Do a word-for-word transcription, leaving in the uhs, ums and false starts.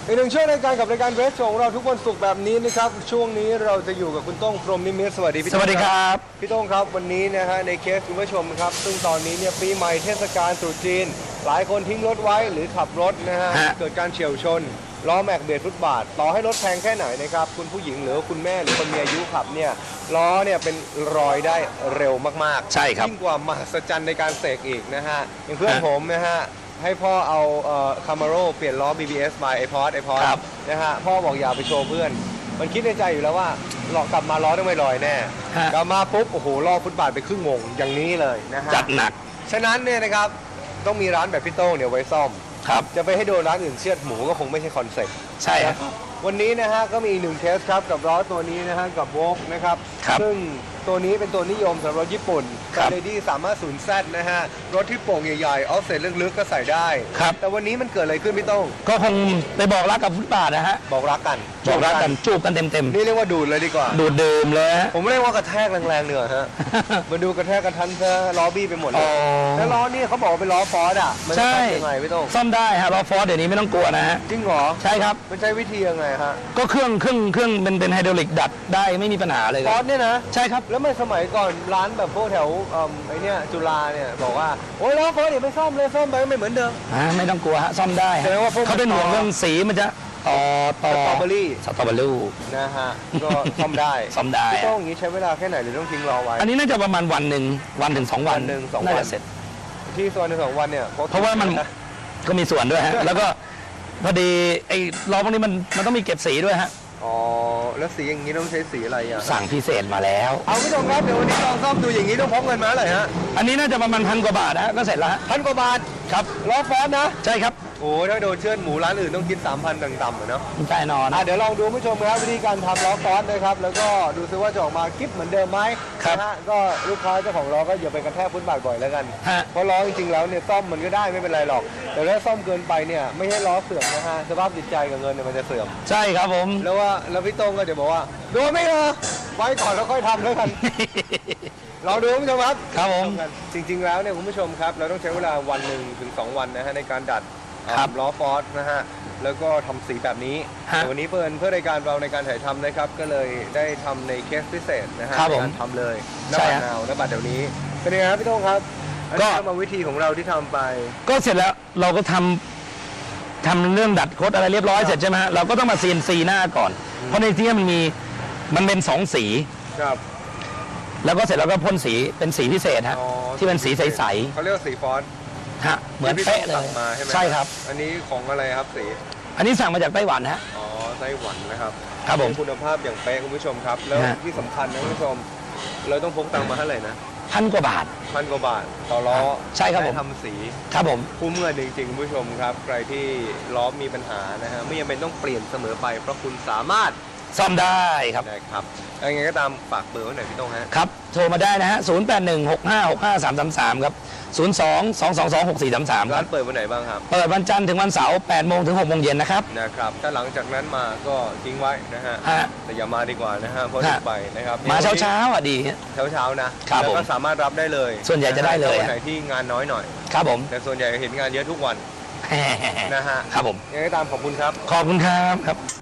อีกหนึ่งช่วงรายการกับรายการเรสโชว์ของเราทุกวันศุกร์แบบนี้นะครับช่วงนี้เราจะอยู่กับคุณโต้งพรหมนิมิตรสวัสดีพี่สวัสดีครับพี่โต้งครับวันนี้นะฮะในเคสคุณผู้ชมครับซึ่งตอนนี้เนี่ยปีใหม่เทศกาลตรุษจีนหลายคนทิ้งรถไว้หรือขับรถนะฮะเกิดการเฉี่ยวชนล้อแม็กเบียดฟุตบาทต่อให้รถแพงแค่ไหนนะครับคุณผู้หญิงหรือคุณแม่หรือคนมีอายุขับเนี่ยล้อเนี่ยเป็นรอยได้เร็วมากๆใช่ครับยิ่งกว่ามหัศจรรย์ในการเสกอีกนะฮะอย่างเพื่อนผมนะฮะให้พ่อเอาคามาโร่เปลี่ยนล้อ บี บี เอส มาไอพอดไอพอดนะฮะพ่อบอกอย่าไปโชว์เพื่อนมันคิดในใจอยู่แล้วว่าหลอกกลับมาล้อต้องไม่ลอยแน่กลับมาปุ๊บโอ้โหล้อฟุตบาทไปครึ่งวงอย่างนี้เลยนะฮะจัดหนักฉะนั้นเนี่ยนะครับต้องมีร้านแบบพี่โต้งเนี่ยไว้ซ่อมครับจะไปให้โดนร้านอื่นเชือดหมูก็คงไม่ใช่คอนเซ็ปต์ใช่ครับวันนี้นะฮะก็มีอีกหนึ่งเคสครับกับล้อตัวนี้นะฮะกับโวล์กนะครับซึ่งตัวนี้เป็นตัวนิยมสำหรับรถญี่ปุ่นแต่เลดี้สามารถศูนย์แซดนะฮะรถที่โป่งใหญ่ๆออฟเซ็ตลึกๆก็ใส่ได้ครับแต่วันนี้มันเกิดอะไรขึ้นพี่โต้งก็คงไปบอกรักกับฟุตบาทนะฮะบอกรักกันบอกรักกันจูบกันเต็มๆนี่เรียกว่าดูดเลยดีกว่าดูดเดิมเลยผมเรียกว่ากระแทกแรงๆเหนือฮะมาดูกระแทกกระทันซะล้อบี้ไปหมดเลยแล้วล้อนี่เขาบอกว่าเป็นล้อฟอร์ดอ่ะมันจะทำยังไงพี่โต้งซ่อมได้ฮะล้อฟอร์ดเดี๋ยวนี้ไม่ต้องกลัวนะฮะจริงเหรอใช่ครับมันใช้วิธียังไงฮะก็เครื่องเครื่องเครื่องเป็นเป็นไฮดรอลิกดัดได้ไม่มีปัญหาเลยฟอร์ดเนี่ยนะใช่ครับแล้วเมื่อสมัยก่อนร้านแบบพวกแถวไอ้นี่จุฬาเนี่ยบอกว่าโอ้ยล้อฟอร์ดเดี๋ยวไม่ซ่อมเลยซ่อมไปก็ไม่เหมือนเดิมอ่าไม่ต้องกลัวฮะซ่อมได้เขาเป็นห่วงเรื่องสีมันจะต่อต่อสตรอเบอรี่สตรอเบอรี่นะฮะก็ซ่อมได้ซ่อมได้พี่โต้งอย่างนี้ใช้เวลาแค่ไหนหรือต้องทิ้งรอไว้อันนี้น่าจะประมาณวันหนึ่งวันถึงสองวันหนึ่งสองน่าวัจะเสร็จที่ส่วนในสองวันเนี่ยเพราะว่ามันก็มีส่วนด้วยฮะแล้วก็พอดีไอ้ล้อพวกนี้มันมันต้องมีเก็บสีด้วยฮะอ๋อแล้วสีอย่างนี้ต้องใช้สีอะไรอ่ะสั่งพิเศษมาแล้วเอาพี่โต้งครับเดี๋ยววันนี้ลองซ่อมดูอย่างนี้ต้องพกเงินมาเลยฮะอันนี้น่าจะประมาณพันกว่าบาทนะก็เสร็จแล้วพันกว่าบาทครับล้อฟอร์ดนะใช่ครับโอ้ถ้าโดนเชือดหมูร้านอื่นต้องคิด สามพัน ต่ำๆเนาะใช่นอนอ่ะเดี๋ยวลองดูผู้ชมครับวิธีการทำล้อฟอร์ดนะครับแล้วก็ดูซิว่าจะออกมาคลิปเหมือนเดิมไหมนะฮะก็ลูกค้าเจ้าของล้อก็อย่าไปกระแทกพื้นบาทบ่อยแล้วกันเพราะล้อจริงๆแล้วเนี่ยซ่อมมันก็ได้ไม่เป็นไรหรอกแต่ถ้าซ่อมเกินไปเนี่ยไม่ให้ล้อเสื่อมนะฮะสภาพจิตใจกับเงินเนี่ยมันจะเสื่อมใช่ครับผมแล้วว่าแล้วพี่โต้งก็จะบอกว่าโดนไม่เหรอไว้ก่อนแล้วค่อยทำแล้วกันเราดูคุณผู้ชมครับครับผมจริงๆแล้วเนี่ยคุณผู้ชมครับเราต้องใช้เวลาวันหนึ่งถึงสองวันนะฮะในการดัดล้อฟอร์ดนะฮะแล้วก็ทำสีแบบนี้แต่วันนี้เพื่อนเพื่อรายการเราในการถ่ายทำนะครับก็เลยได้ทำในเคสพิเศษนะฮะในการทำเลยน้ำบัดนาวน้ำบัดเดี๋ยวนี้เป็นยังไงครับพี่โต้งครับก็มาวิธีของเราที่ทำไปก็เสร็จแล้วเราก็ทำทำเรื่องดัดโค้ดอะไรเรียบร้อยเสร็จใช่ไหมฮะเราก็ต้องมาซีนซีหน้าก่อนเพราะในที่มันมีมันเป็นสองสีครับแล้วก็เสร็จแล้วก็พ่นสีเป็นสีพิเศษฮะที่เป็นสีใสๆเขาเรียกว่าสีฟอนต์ฮะเหมือนเป๊ะเลยใช่ครับอันนี้ของอะไรครับสีอันนี้สั่งมาจากไต้หวันฮะอ๋อไต้หวันนะครับครับผมคุณภาพอย่างเป๊ะคุณผู้ชมครับแล้วที่สำคัญนะคุณผู้ชมเราต้องพกตังค์มาเท่าไหร่นะพันกว่าบาทพันกว่าบาทต่อล้อใช่ครับผมทำสีครับผมคุ้มเงินจริงๆคุณผู้ชมครับใครที่ล้อมีปัญหานะฮะไม่จำเป็นต้องเปลี่ยนเสมอไปเพราะคุณสามารถซ่อมได้ครับนะครับยังไงก็ตามฝากเบอร์ไว้หน่อยพี่โต้งฮะครับโทรมาได้นะฮะศูนย์ แปด หนึ่ง หก ห้า หก ห้า สาม สาม สามครับศูนย์ สอง สอง สอง สอง หก สี่ สาม สามร้านเปิดวันไหนบ้างครับเปิดวันจันทร์ถึงวันเสาร์แปดโมงถึงหกโมงเย็นนะครับนะครับถ้าหลังจากนั้นมาก็ทิ้งไว้นะฮะแต่อย่ามาดีกว่านะฮะเพราะดึกไปนะครับมาเช้าเช้าอ่ะดีเช้าเช้านะแล้วก็สามารถรับได้เลยส่วนใหญ่จะได้เลยวันไหนที่งานน้อยหน่อยครับผมแต่ส่วนใหญ่เห็นงานเยอะทุกวันนะฮะครับผมยังไงก็ตามขอบคุณครับขอบคุณครับครับ